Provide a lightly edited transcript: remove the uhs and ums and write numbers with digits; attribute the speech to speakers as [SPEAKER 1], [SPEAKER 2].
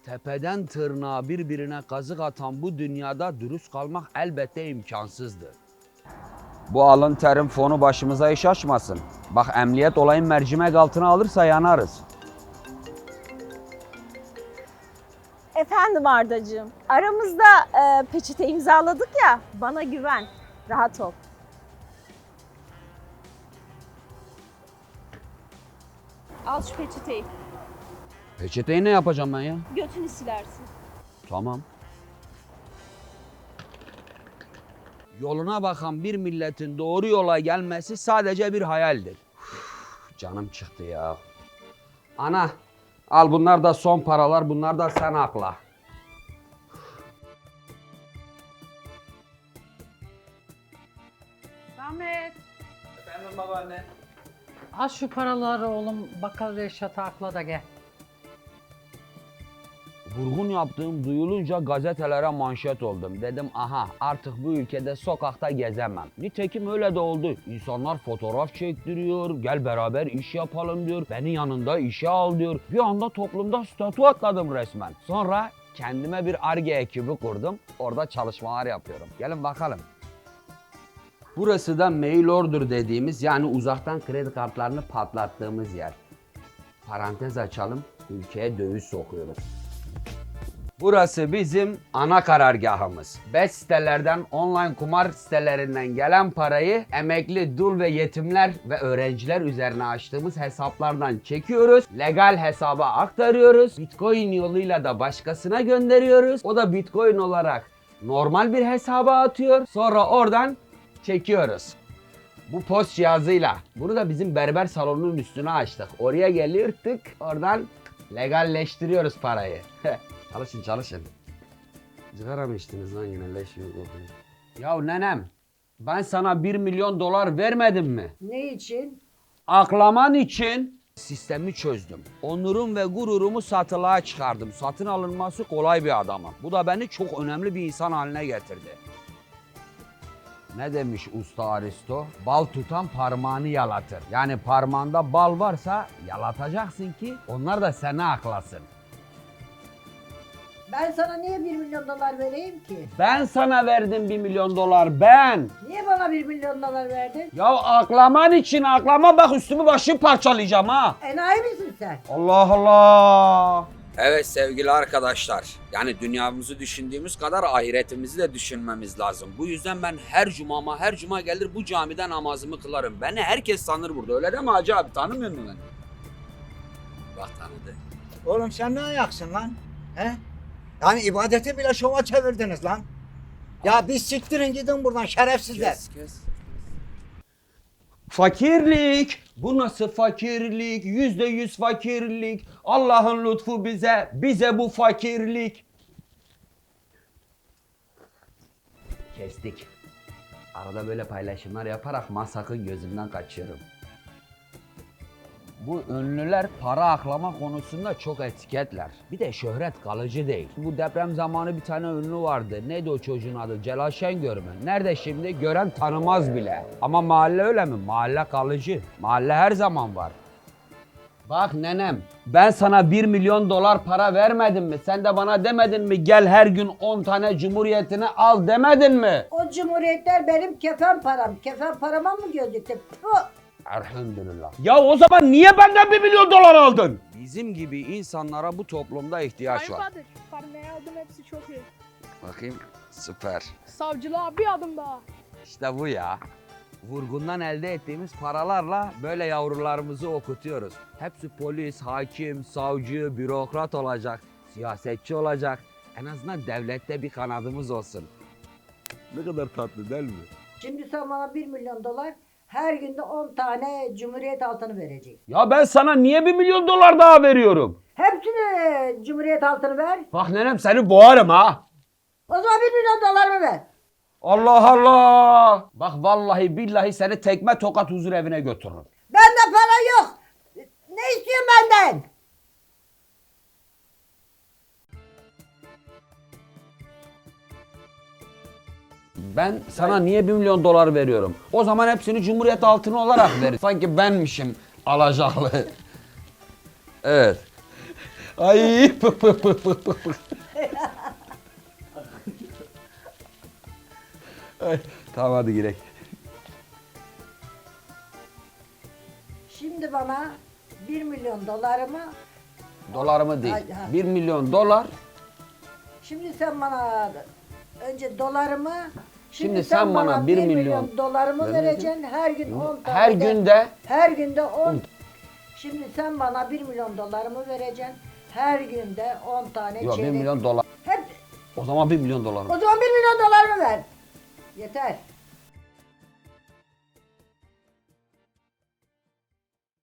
[SPEAKER 1] Tepeden tırnağa birbirine kazık atan bu dünyada dürüst kalmak elbette imkansızdır. Bu alın terim fonu başımıza iş açmasın. Bak emniyet olayın mercimek altına alırsa yanarız.
[SPEAKER 2] Efendim Ardacığım, aramızda peçete imzaladık ya, bana güven, rahat ol. Al şu peçeteyi,
[SPEAKER 1] Peçeteyi ne yapacağım ben ya?
[SPEAKER 2] götünü silersin.
[SPEAKER 1] Tamam. Yoluna bakan bir milletin doğru yola gelmesi sadece bir hayaldir. Uf, canım çıktı ya. Ana, al bunlar da son paralar, bunlar da sen akla.
[SPEAKER 3] Ahmet,
[SPEAKER 1] Efendim babaanne.
[SPEAKER 3] al şu paraları oğlum, bakkal Reşat'a akla da gel.
[SPEAKER 1] Vurgun yaptığım duyulunca gazetelere manşet oldum. Dedim aha artık bu ülkede sokakta gezemem. Nitekim öyle de oldu. İnsanlar fotoğraf çektiriyor, gel beraber iş yapalım diyor. Beni yanında işe al diyor. Bir anda toplumda statü atladım resmen. Sonra kendime bir Ar-Ge ekibi kurdum. Orada çalışmalar yapıyorum. Gelin bakalım. Burası da mail order dediğimiz yani uzaktan kredi kartlarını patlattığımız yer. Parantez açalım, ülkeye döviz sokuyoruz. Burası bizim ana karargahımız. Bet sitelerden, online kumar sitelerinden gelen parayı emekli, dul ve yetimler ve öğrenciler üzerine açtığımız hesaplardan çekiyoruz. Legal hesaba aktarıyoruz. Bitcoin yoluyla da başkasına gönderiyoruz. O da Bitcoin olarak normal bir hesaba atıyor. Sonra oradan çekiyoruz. Bu post cihazıyla. Bunu da bizim berber salonunun üstüne açtık. Oraya geliyor tık, oradan legalleştiriyoruz parayı. Çalışın çalışın. Sigara mı içtiniz lan yine leş gibi kokuyor. Ya nenem, ben sana 1 milyon dolar vermedim mi?
[SPEAKER 4] Ne için?
[SPEAKER 1] Aklaman için sistemi çözdüm. Onurum ve gururumu satılığa çıkardım. Satın alınması kolay bir adamım. Bu da beni çok önemli bir insan haline getirdi. Ne demiş usta Aristo? Bal tutan parmağını yalatır. Yani parmağında bal varsa yalatacaksın ki onlar da seni aklasın.
[SPEAKER 4] Ben sana niye 1 milyon dolar vereyim ki?
[SPEAKER 1] Ben sana verdim 1 milyon dolar ben.
[SPEAKER 4] Niye bana 1 milyon dolar verdin?
[SPEAKER 1] Ya aklaman için aklama bak üstümü başımı parçalayacağım ha.
[SPEAKER 4] Enayi misin sen?
[SPEAKER 1] Allah Allah. Evet sevgili arkadaşlar. Yani dünyamızı düşündüğümüz kadar ahiretimizi de düşünmemiz lazım. Bu yüzden ben her cuma gelir bu camide namazımı kılarım. Beni herkes tanır burada. Öyle değil mi Hacı abi? Tanımıyor musun beni? Bak tanıdı.
[SPEAKER 5] Oğlum sen ne ayaksın lan? He? Yani ibadeti bile şova çevirdiniz lan. Ya biz siktirin gidin buradan şerefsizler.
[SPEAKER 1] Kes. Fakirlik. Bu nasıl fakirlik? %100 fakirlik. Allah'ın lütfu bize bu fakirlik. Kestik. Arada böyle paylaşımlar yaparak masakın gözümden kaçıyorum. Bu ünlüler para aklama konusunda çok etiketler. Bir de şöhret kalıcı değil. Bu deprem zamanı bir tane ünlü vardı. Neydi o çocuğun adı? Celal Şengör mü? Nerede şimdi? Gören tanımaz bile. Ama mahalle öyle mi? Mahalle kalıcı. Mahalle her zaman var. Bak nenem, ben sana 1 milyon dolar para vermedim mi? Sen de bana demedin mi? Gel her gün 10 tane cumhuriyetini al demedin mi?
[SPEAKER 4] O cumhuriyetler benim kefen param. Kefen parama mı gözüktü? Puh!
[SPEAKER 1] Elhamdülillah. Ya o zaman niye benden 1 milyon dolar aldın? Bizim gibi insanlara bu toplumda ihtiyaç var.
[SPEAKER 6] Bahadır, parmaya aldım hepsi çok iyi.
[SPEAKER 1] Bakayım, süper.
[SPEAKER 6] Savcılığa bir adım daha.
[SPEAKER 1] İşte bu ya. Vurgundan elde ettiğimiz paralarla böyle yavrularımızı okutuyoruz. Hepsi polis, hakim, savcı, bürokrat olacak, siyasetçi olacak. En azından devlette bir kanadımız olsun. Ne kadar tatlı değil mi?
[SPEAKER 4] Şimdi sen bana 1 milyon dolar, her günde 10 tane cumhuriyet altını vereceksin.
[SPEAKER 1] Ya ben sana niye 1 milyon dolar daha veriyorum?
[SPEAKER 4] Hepsini cumhuriyet altını ver.
[SPEAKER 1] Bak nenem seni boğarım ha.
[SPEAKER 4] O zaman 1 milyon dolarımı ver.
[SPEAKER 1] Allah Allah. Bak vallahi billahi seni tekme tokat huzur evine götürürüm.
[SPEAKER 4] Bende para yok. Ne istiyorsun benden?
[SPEAKER 1] Ben sana niye 1 milyon dolar veriyorum? O zaman hepsini Cumhuriyet altını olarak ver. Sanki benmişim alacaklı. Evet. Ay. Ay, tamam hadi gidelim.
[SPEAKER 4] Şimdi bana 1 milyon dolarımı,
[SPEAKER 1] Dolarımı değil.
[SPEAKER 4] Ay, ha.
[SPEAKER 1] 1 milyon dolar.
[SPEAKER 4] şimdi sen bana önce dolarımı,
[SPEAKER 1] Şimdi sen bana 1 milyon
[SPEAKER 4] dolarımı
[SPEAKER 1] vereceksin.
[SPEAKER 4] vereceksin. Her gün 10 tane.
[SPEAKER 1] Her günde
[SPEAKER 4] Her günde 10. Şimdi sen bana 1 milyon dolarımı vereceksin. Her günde 10 tane
[SPEAKER 1] yok 1
[SPEAKER 4] çeyrek.
[SPEAKER 1] milyon dolar.
[SPEAKER 4] Hep,
[SPEAKER 1] O zaman 1 milyon dolar.
[SPEAKER 4] o zaman 1 milyon dolarımı ver. Yeter.